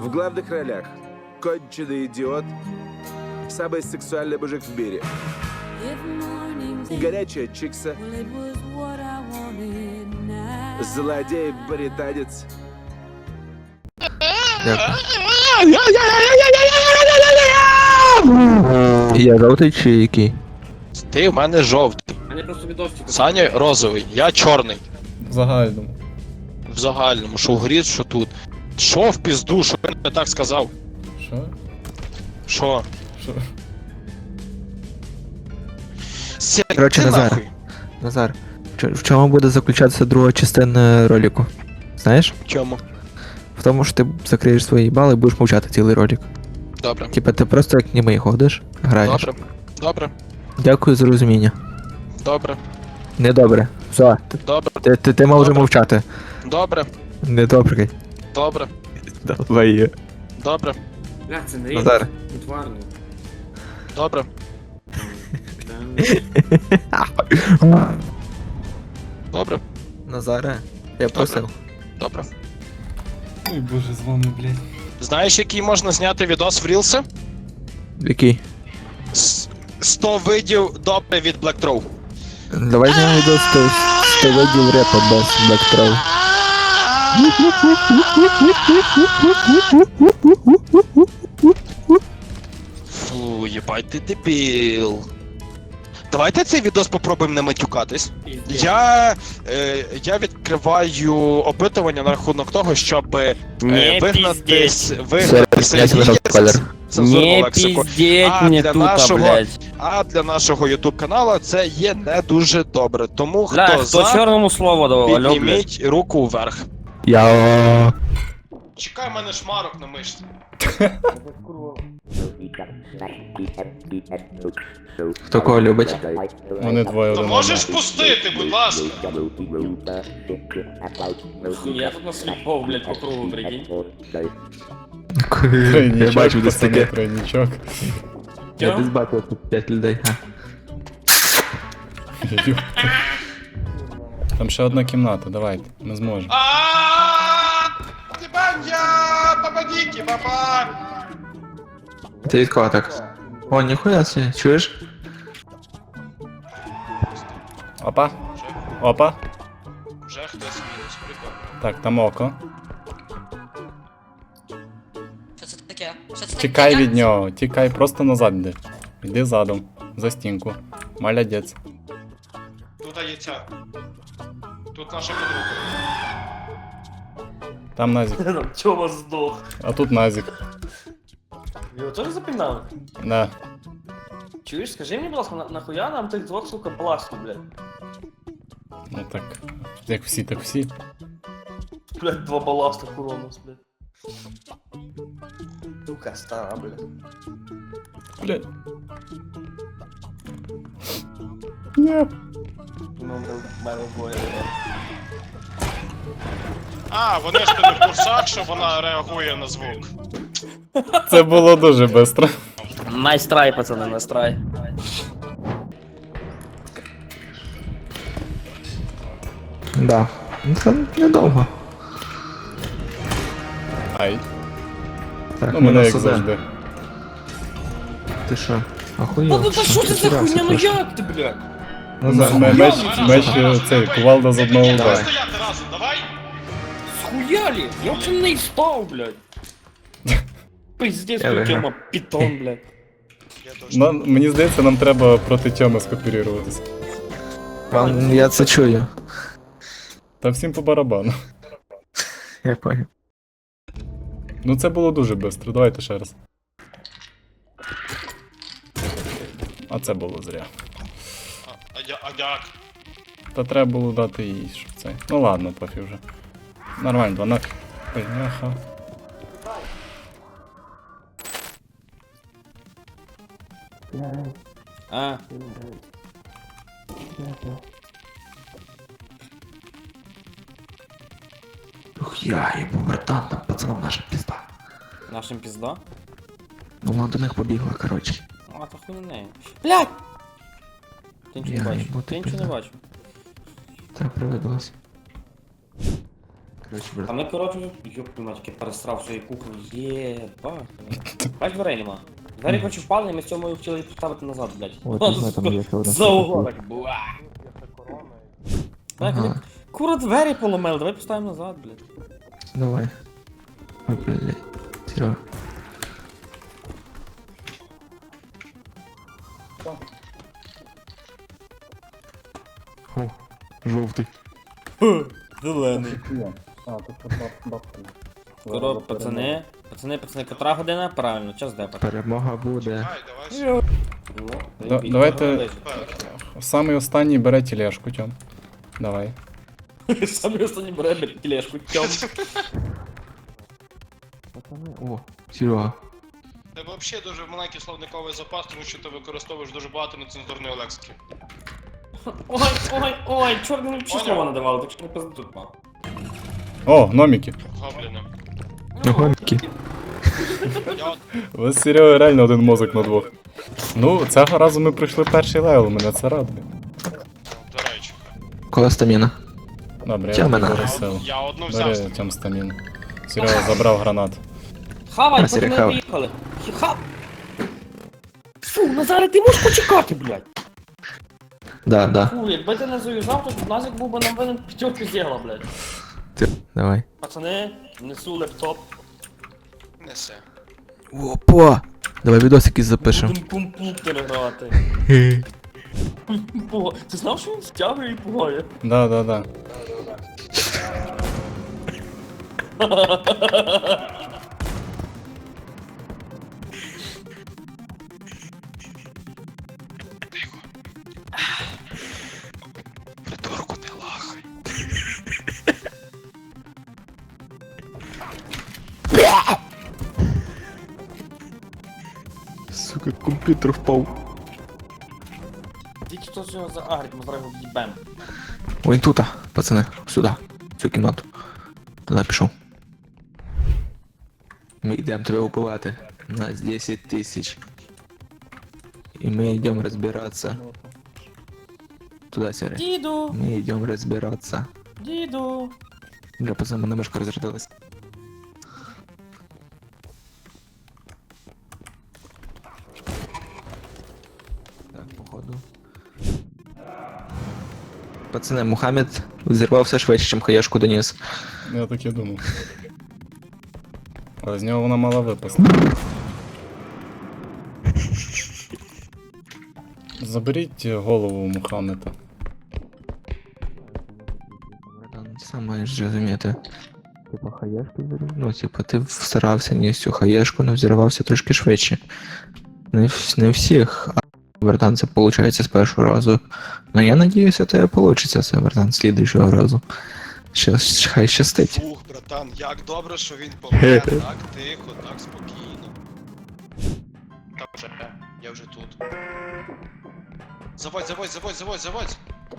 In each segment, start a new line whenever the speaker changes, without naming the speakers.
В главных ролях конченый идиот, самый сексуальный мужик в мире, горячая чикса, злодей-британец.
Я жовтий чи який?
Ти в мене жовтий. Саня розовий, я чорний.
В загальному.
В загальному, що в грі, що тут. Що в пізду, що я не так сказав?
Що?
Що?
Що?
Сядь
Коротше,
ти
Назар.
нахуй.
Назар, в чому буде заключатися друга частина ролику? Знаєш?
В чому?
В тому, що ти закриєш свої бали і будеш мовчати цілий ролик.
Добре.
Типа ти просто як німий ходиш, граєш.
Добре. Добре.
Дякую за розуміння.
Добре.
Недобре. Все,
Добре.
ти мав вже
Добре.
мовчати.
Добре.
Недобре.
Добре.
Давай.
Добре.
Бля, це не
Назар.
утварний.
Добре. Добре.
Назаре, я просив.
Добре.
Ой, боже, з вами, блядь.
Знаєш, який можна зняти відос в Рілси?
Який?
100 видів добре від Black Throw.
Давай знімемо відео з видів репа без бектрол.
Фу, єбать ти дебіл. Давайте цей відос попробуємо не матюкатись. Я відкриваю опитування на рахунок того, щоб вигнати Сергія цензурну
Не
лексику.
пиздеть
А
мне
для
тут,
нашого-
блядь.
А для нашого YouTube каналу це є не дуже добре. Тому
Бля,
хто
хто
за,
чорному слово давав, алло, блядь.
підніміть руку вверх.
Я.
Чекай, в мене шмарок на мишці.
Хто кого любить?
Вони двоє
То
один
можеш
одного.
пустити, будь ласка.
Я тут насліпов, блядь, по кругу, прикинь.
Я
Тройнічок,
бачив десь
пацани,
таке.
тройнічок.
Я десь бачив тут 5 людей.
Ёпта. Там ще одна кімната, давайте, ми зможемо.
Попадите, папа!
Ти від кого так? О, ніхуя себе, чуєш?
Опа. Опа.
Вже хтось мінус, прикольно.
Так, там око.
Що це таке? Що це
Тікай
таке?
від нього, тікай, просто назад йди. Йди задом, за стінку. Молодець.
Тут є ця. Тут наша подруга.
Там Назік.
Чого здох?
А тут Назік.
Його теж запінали?
Да.
Чуєш, скажи мені, будь ласка, нахуя нам тих двох, сука, баласту, блядь?
Ну так. Як всі, так всі.
Блядь, два баласта Куронос, блядь. Сука, стара, блядь.
Блядь. Ні.
Ну, мене двоє, блядь.
А, вони ж не в курсах, що вона реагує на звук.
Це було дуже швидко.
Найстрай, пацани, найстрай.
Да. Ну це недовго.
Ай.
Так,
Ну мене як
сюди.
завжди.
Ти що? Ахуєв?
Ну, що це за хуйня, ну як ти, блядь?
Меч цей, кувалда з одного удару.
Стояти разом, давай!
Схуяли? Я вообще не спав, блядь. Пиздец,
Я виграв.
Тёма, питон, блядь.
Мені здається, нам треба проти Тьоми скооперуватися.
Я це чую.
Та всім по барабану.
Я понял.
Ну це було дуже швидко, давайте ще раз. А це було зря.
А як?
Та треба було дати їй, щоб це. Ну ладно, пофіг вже. Нормально, 12. Ой, няха.
А,
Ух, я ебу, братан, там пацанам наша пизда.
нашим пизда?
Ну вона до них побігла, короче.
А, то хуйня не. Блядь! Ти нічого не
Я
бачиш,
їбу,
ти
ти
нічого не
пизда.
бачиш.
Так привидлась. Короче,
А
брат.
ми, коротше, ёб мать, я пересрав свої кухні. Єба. Бач, дверей нема. Двері, коротше, впали, і ми з цьому хотіли поставити назад, блядь.
О, ти знаєш, там є ще одна
За угол, так, буа.
Ага.
Кура, двері поломили, давай поставимо назад, блядь.
Давай. Ой, блядь. Серега. О, жовтий.
Зелений.
А, тут бабка.
Корот, пацани, котра година? Правильно, час депати.
Перемога буде.
Давайте самий останній бере тележку, Тьом. Давай.
Самі останні бере тележку, тьом.
О, Серега.
Тебе взагалі дуже маленький словниковий запас, тому що ти використовуєш дуже багато нецензурної лексики.
Ой, чорт, мені ще слова надавали, так що не пизду тут мав.
О, гноміки.
Гобліни.
Гонки.
Я от
Ви з Серегою реально один мозок на двох. Ну, цього разу ми пройшли перший левел, мене це радує.
до речі.
Кола стаміна.
Добре, я
Тьомина.
тобі сил.
Я одну взяв.
Бери Тьом стамін. Серега забрав гранат.
Хавай,
Василь,
поки ми
хавай.
виїхали. Фу, Назаре, ти можеш почекати, блядь.
Да, да.
Фу, якби ти не заїжджав, то Назик був би нам винен п'ятерки зігла, блядь.
Давай.
Пацани, несу лептоп.
Несе.
Опа! Давай відосики запишемо.
Будем пум-пум грати. Ти знав, що він стягує і пугає?
Да.
Придурку не лахай.
Сука, комп'ютер впав.
Тільки хто цього заагрить, ми зараз його в'їбем.
Ой, тут, пацани, сюди, в цю кімнату. Туди пішов. Ми йдемо тебе убивати. Нас 10 тисяч. І ми йдемо розбиратися. Туди, Сірі.
Діду,
Ми йдемо розбиратися.
діду.
Бля, пацани, мене мишка розрядилась. Так, походу. Пацани, Мухаммед взірвався швидше, ніж хаєшку доніс.
Я так і думав. Але з нього вона мала випасти. Заберіть голову у Мухаммеда.
Братан, ти сам маєш зрозуміти. Типа хаєшку взірвав? Ну, типа, ти старався ні всю хаєшку, але взірвався трошки швидше. Не всіх. А, братан, це виходить з першого разу. Ну я надіюся, у тебе вийде це, братан, з слідуючого разу. Хай щастить.
Фух, братан, як добре, що він помер. Так тихо, так спокійно. Так вже, я вже тут. Заводь.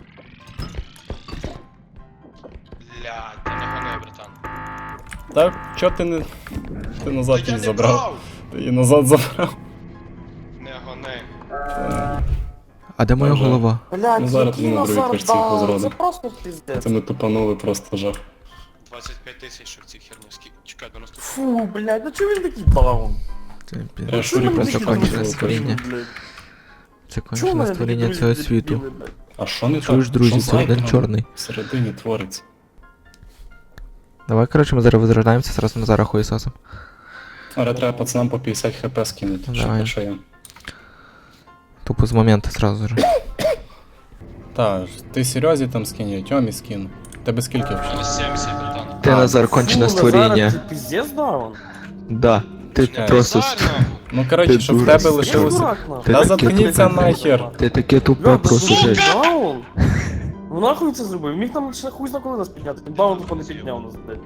Блядь, ти не гони, братан.
Так, чо ти не. Ти назад
Та я
її
не
забрав?
брав!
Ти її назад забрав.
Не гони.
А де моя
Вже.
голова?
Блядь,
Ну, зараз
який
тобі на другій
Назар
картці
дав,
позроду.
це просто піздець.
Це ми тупанули просто жах.
25 тисяч, що в цій херні. Чекай, до наступного.
Фу, блядь, ну чого він такий даун?
Це
Я
Чого мене
просто
такі
кончене
друзі,
створіння.
блядь?
Це
Чого
кончене
мене такі
створіння
друзі
цього
дебіли,
світу.
блядь?
А що не
Чуєш,
так?
друзі,
Що
це один
там
чорний.
всередині твориться?
Давай, коротше, ми зараз возрождаємося, зразу Назара хуєсосом.
Але треба пацанам по 50 хп скинути,
Давай.
що я.
Тупо з моменту зразу же.
Та, ти Серйозі там скинь, я Тьомі скину. Тебе скільки вже?
Мінус 70, братан.
Ти, Назар, кончене
Фу, Назар,
створіння.
ти піздець даун?
Да. Ти
Чекай.
просто...
Назар,
Ну коротше,
Ти
щоб в
дурак.
тебе
Я
лишилося.
дурак, нахуй.
Ти
Та
таке
заткніться
тупе.
нахер!
Ти таке тупе
Бля,
просто
сука,
жесть.
даун? Ну нахуй це зробив? Міг там ще хуй зна коли нас підняти. Він даун тупо не підняв нас, блядь.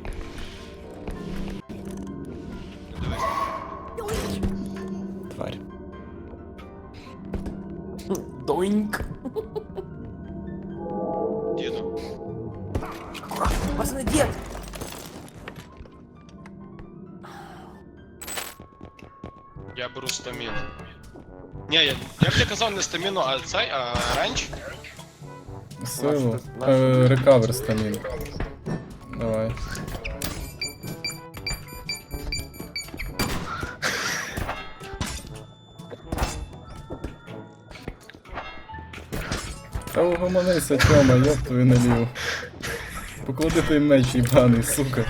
Тварь.
Доіньк.
діду.
Пацани, дід!
Я беру стаміну. Ні, я б не казав не стаміну, а цей, а ренч.
Силу. Рекавер стамін. Давай. Та угомонися, Тьома, ёб твою наліву. Поклади той меч їбаний, сука.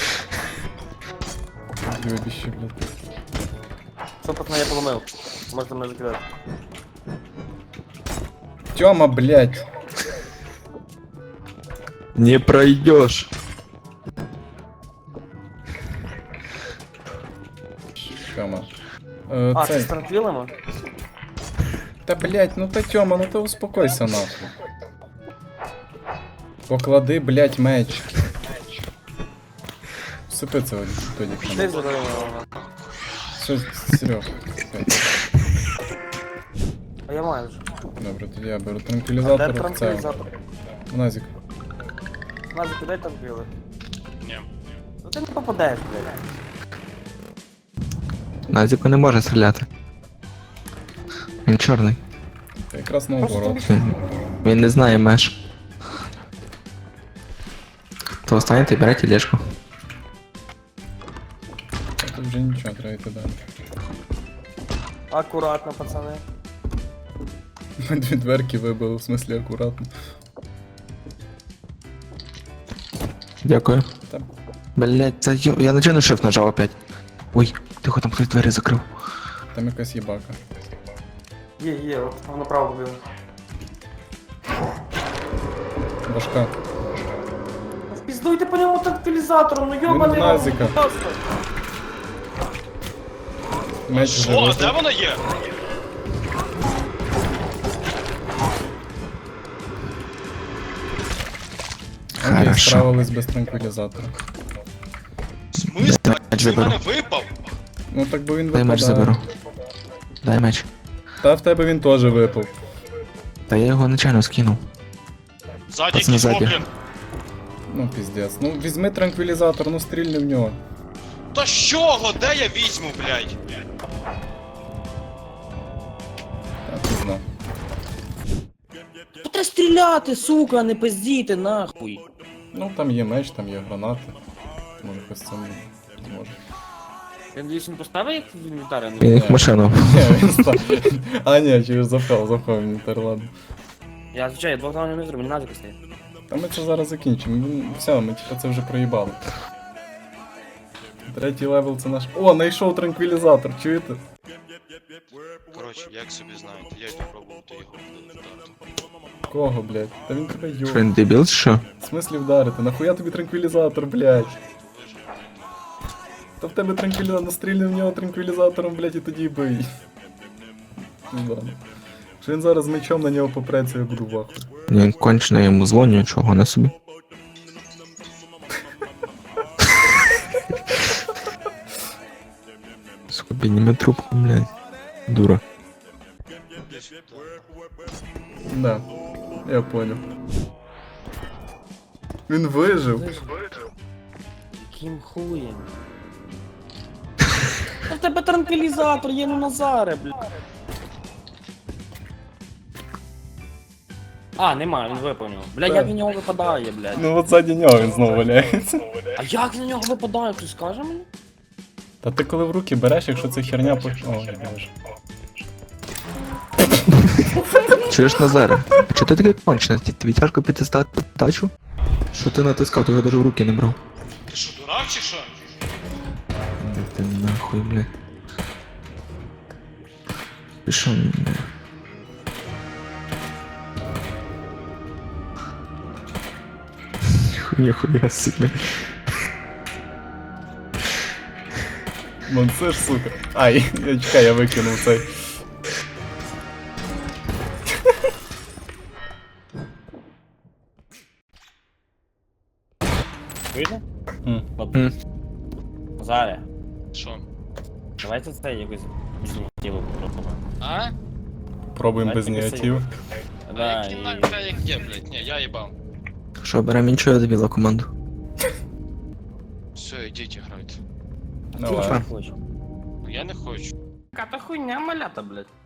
Любіще, блядь.
Що, пацани, я поломив? Можете мене закидати.
Тьома, блядь.
Не пройдешь.
Тьома.
А, це
Цей.
з транквілами?
Та блядь, ну та Тьома, ну ти успокойся нахуй. Поклади, блядь, меч. Сипи це тоді.
Ти забери.
Все, Серег.
А я маю вже.
Добре, тоді я беру
Де
транквілізатор в це.
транквілізатор?
Назік.
Назик, кидай транквіли.
Ні.
Ну ти не попадеш, блядь.
Назіку не може стріляти. Він чорний.
Та якраз
Просто
наоборот.
тобі
Він не знає меж. То останете і бере тележку.
А тут вже нічого, треба йти далі.
акуратно, пацани.
Ми дві дверки вибили, в смислі акуратно.
Дякую.
Та
Блять, це я начальний шеф нажав опять. Ой, тихо, там хтось двері закрив.
там якась їбака.
Є, от воно направо побігли.
Башка.
Впіздуйте по ньому транквілізатором, ну йобаний
Він Назика.
будь ласка.
Меч вже
Що? Де
випав.
вона є?
Андрій
Хорошо.
справились без транквілізатора.
В смислі?
Дай меч
Він
заберу.
мене випав?
Ну так би він
Дай меч
випадає.
заберу. Дай меч.
Та в тебе він теж випав.
Та я його начально скинув.
Ззаді
Пацани,
якийсь
ззаді.
гоблін.
Ну піздець. Ну візьми транквілізатор, ну стрільни в нього.
Та з чого? Де я візьму, блядь?
Так, не знаю.
Треба стріляти, сука, а не пиздіти, нахуй.
Ну там є меч, там є гранати. Може хтось це не може.
Я надіюсь, він поставив їх в інвентарі?
Він їх в машину.
Ні, він став. А ні, через запхав інвентар, ладно.
Я звичайно, я двох раундів не зроблю, мені назик стає.
Та ми це зараз закінчимо. Все, ми типа це вже проїбали. Третій левел це наш. О, знайшов транквілізатор, чуєте?
Коротше, як собі знаєте, я йду пробувати його вдати.
Кого, блядь? Та він тебе
Що
йо.
він дебіл, чи що?
В смислі вдарити? Нахуя тобі транквілізатор, блядь? Та в тебе транквілізатор, настрільни в нього транквілізатором, блядь, і тоді бий. Ну ладно. Що він зараз мечом на нього попреться, я буду в ахуї.
Він кончено йому дзвоню, чого на собі. Сука, підніме трубку, блядь. Дура.
Да, я понял. Він вижив.
Яким хуєм? Та в тебе транквілізатор, є, ну Назаре, блядь. А, немає, він виповнив. Блядь, як він на нього випадає, блядь.
Ну от ззаді нього він знову валяється.
А як він на нього випадає, хтось скаже мені?
Та ти коли в руки береш, якщо це херня по. Ой, боже.
Чуєш, Назаре? Чого ти такий кончений? Тобі тяжко підтискати тачу? Що ти натискав, ти його навіть в руки не брав.
Ти що, дурак чи що?
Да ти нахуй, блядь. Пішов, блядь. Ніхуя собі.
Вон це ж, сука. Ай, я чекай, я викинув цей.
Видно?
М.
Назаре,
Що?
давайте це якось ініціативу попробуємо.
А?
Пробуємо без
Давайте
негативу.
Да,
Які
і...
нахуй як є, блядь? Ні, я їбав.
Що, беремо іншого дебіла команду?
Все, ідіть грайте.
Давай.
Я не хочу.
Ну я не хочу.
Яка та хуйня малята, блядь.